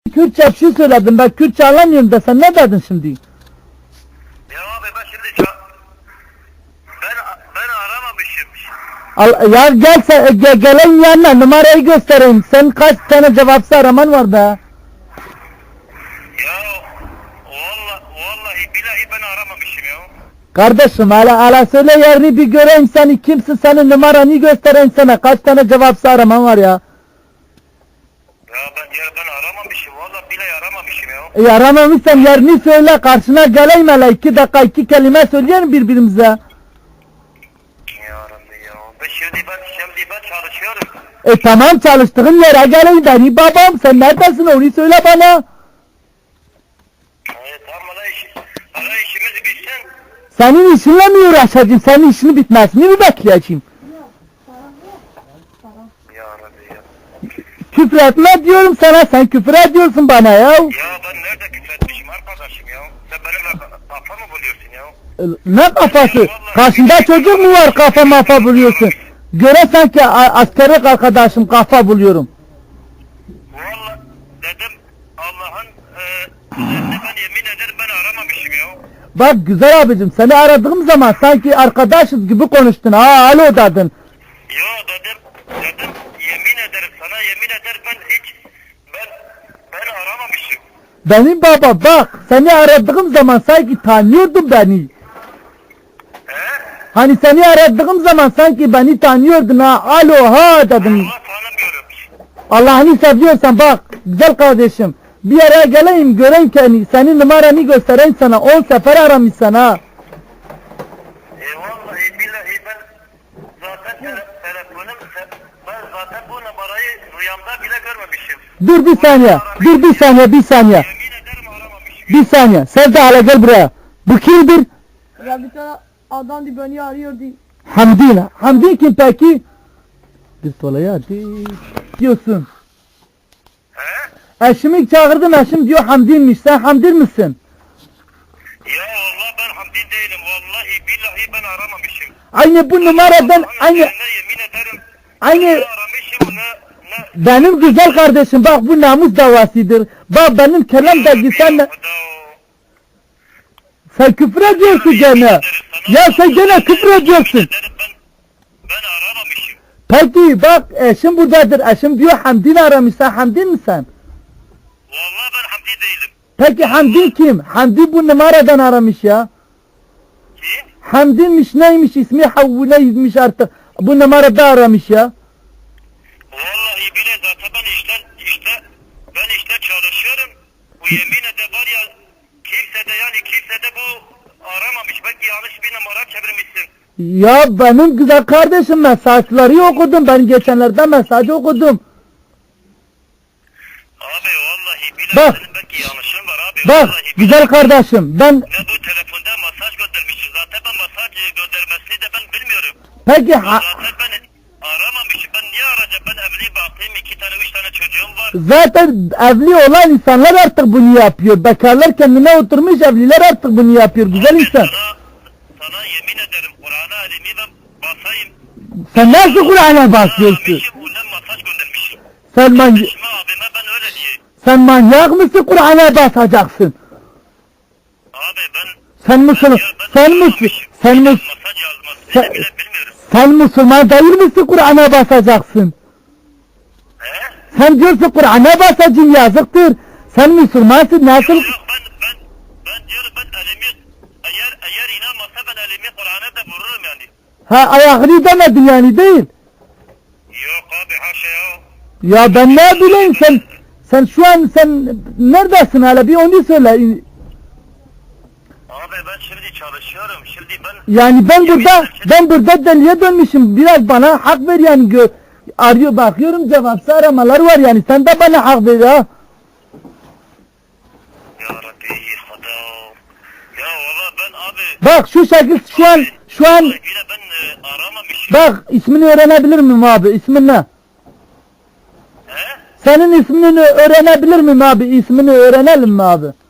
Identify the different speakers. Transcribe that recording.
Speaker 1: Kürtçe bir şey söyledim. Ben Kürtçe anlamıyorum da sen ne dedin şimdi?
Speaker 2: Ya abi ben şimdi ben aramamışım.
Speaker 1: Ya gel sen, geleyim yanına numarayı göstereyim. Sen kaç tane cevapsız araman var be?
Speaker 2: Ya vallahi billahi ben aramamışım ya.
Speaker 1: Kardeşim hala söyle yerini bir göreyim seni kimsin senin numaranı göstereyim sana. Kaç tane cevapsız araman var ya?
Speaker 2: Ben aramamışım. Vallahi billahi aramamışım ya.
Speaker 1: Aramamışsam yerini söyle karşına geleyim hele 2 dakika 2 kelime söyleyelim birbirimize.
Speaker 2: Ya Rabbi ya. Şimdi ben çalışıyorum.
Speaker 1: Tamam çalıştığın yere geleyim beni babam sen neredesin onu söyle bana.
Speaker 2: Tamam bana işimizi bitsin.
Speaker 1: Senin işinle mi uğraşacağım? Senin işini bitmesini mi bekleyeceğim?
Speaker 2: Ya Rabbi ya.
Speaker 1: Küfür etme diyorum sana, sen küfür ediyorsun bana ya.
Speaker 2: Ya ben nerede küfretmişim arkadaşım ya? Sen benimle kafa mı buluyorsun ya?
Speaker 1: Ne kafası? Karşında çocuk mu var kafa mafa buluyorsun? Göre sanki askerlik arkadaşım kafa buluyorum.
Speaker 2: Vallahi dedim Allah'ın üzerine ben yemin ederim ben aramamışım ya.
Speaker 1: Bak güzel abicim seni aradığım zaman sanki arkadaşız gibi konuştun. Alo dedin.
Speaker 2: Yo dedim yemin ederim sana yemin ederim ben aramamışım.
Speaker 1: Benim baba bak seni aradığım zaman sanki tanıyordun beni. Hani seni aradığım zaman sanki beni tanıyordun ha. Alo ha dedim.
Speaker 2: Allah tanımıyorum.
Speaker 1: Allah'ını seviyorsan bak güzel kardeşim. Bir yere geleyim göreyim ki senin numaranı göstereyim sana 10 sefer aramışsın ha.
Speaker 2: Vallahi billahi ben zaten telefonum ben zaten bu numarayı rüyamda bile görmemişim.
Speaker 1: Dur bir saniye.
Speaker 2: Yemin ederim aramamışım.
Speaker 1: Bir saniye. Sen de hala gel buraya. Bu kimdir?
Speaker 3: Ya bir tane adam di beni arıyordu.
Speaker 1: Hamdi. Hamdi kim peki? Bir solaya diyorsun. Eşimi çağırdım eşim diyor Hamdi'ymiş. Sen Hamdi misin?
Speaker 2: Ya vallahi ben Hamdi değilim. Vallahi billahi ben aramamışım.
Speaker 1: Aynı bu numaradan aynı
Speaker 2: Yemin ederim.
Speaker 1: aynı
Speaker 2: Aramışım ne
Speaker 1: benim güzel kardeşim bak bu namus davasıdır. Bak benim kelam da sen sen küfür ediyorsun gene. Ya sen gene küfür ediyorsun.
Speaker 2: Ben aramamışım.
Speaker 1: Peki bak eşim buradadır. Eşim diyor Hamdi'ni aramış. Sen Hamdi misin?
Speaker 2: Vallahi ben Hamdi değilim.
Speaker 1: Peki Hamdi kim? Hamdi bu numaradan aramış ya.
Speaker 2: Kim?
Speaker 1: Hamdi'miş neymiş ismi Havvule'ymiş artık. Bu numarada aramış ya.
Speaker 2: Vallahi bile zaten ben işte çalışıyorum. Bu yemin ede var ya kimse de bu aramamış. Belki yanlış bir numara çevirmişsin.
Speaker 1: Ya benim güzel kardeşim mesajları okudum. Ben geçenlerde mesaj okudum.
Speaker 2: Abi vallahi bile
Speaker 1: Bak.
Speaker 2: senin belki yanlışın var abi.
Speaker 1: Bak
Speaker 2: Vallahi
Speaker 1: güzel kardeşim ben
Speaker 2: ne bu telefonda mesaj göndermişsin. Zaten ben mesaj göndermesini de ben bilmiyorum.
Speaker 1: peki
Speaker 2: Zaten ben aramamışım. Ben niye arayacağım? Ben evli baktım. 2 tane 3 tane çocuğum var.
Speaker 1: zaten evli olan insanlar artık bunu yapıyor. Bekarlar kendine oturmuş evliler artık bunu yapıyor. Güzel
Speaker 2: Abi
Speaker 1: insan.
Speaker 2: Sana yemin ederim Kur'an'a elimi ben basayım.
Speaker 1: Sen nasıl Kur'an'a basıyorsun?
Speaker 2: Aramışım ondan mesaj göndermişim.
Speaker 1: Sen
Speaker 2: Eşime abime ben öyle diyeyim.
Speaker 1: sen manyak mısın Kur'an'a basacaksın?
Speaker 2: Abi ben
Speaker 1: Sen Müslüman, sen Müslüman, sen Müslüman,
Speaker 2: mesaj yazmasını bile bilmiyorum.
Speaker 1: sen Müslüman değil misin Kur'an'a basacaksın?
Speaker 2: He?
Speaker 1: Sen diyorsun Kur'an'a basacağım yazıktır. Sen Müslümansın nasıl?
Speaker 2: Yok ben diyorum ben elimi eğer inanmasa ben elimi Kur'an'a da vururum yani.
Speaker 1: Ha ayağını demedin yani değil.
Speaker 2: Yok abi haşa ya.
Speaker 1: Ya ben ne bileyim sen şu an sen neredesin hala bir onu söyle.
Speaker 2: Abi ben şimdi çalışıyorum. Şimdi
Speaker 1: Yani ben burada deliye dönmüşüm. Biraz bana hak ver yani arıyor bakıyorum cevapsız aramalar var yani sen de bana hak ver ya.
Speaker 2: Ya Rabbi hada. Ya valla ben abi.
Speaker 1: Bak şu şekil şu an
Speaker 2: Yine ben aramamışım.
Speaker 1: bak ismini öğrenebilir miyim abi ismin ne?
Speaker 2: He?
Speaker 1: Senin ismini öğrenebilir miyim abi ismini öğrenelim mi abi?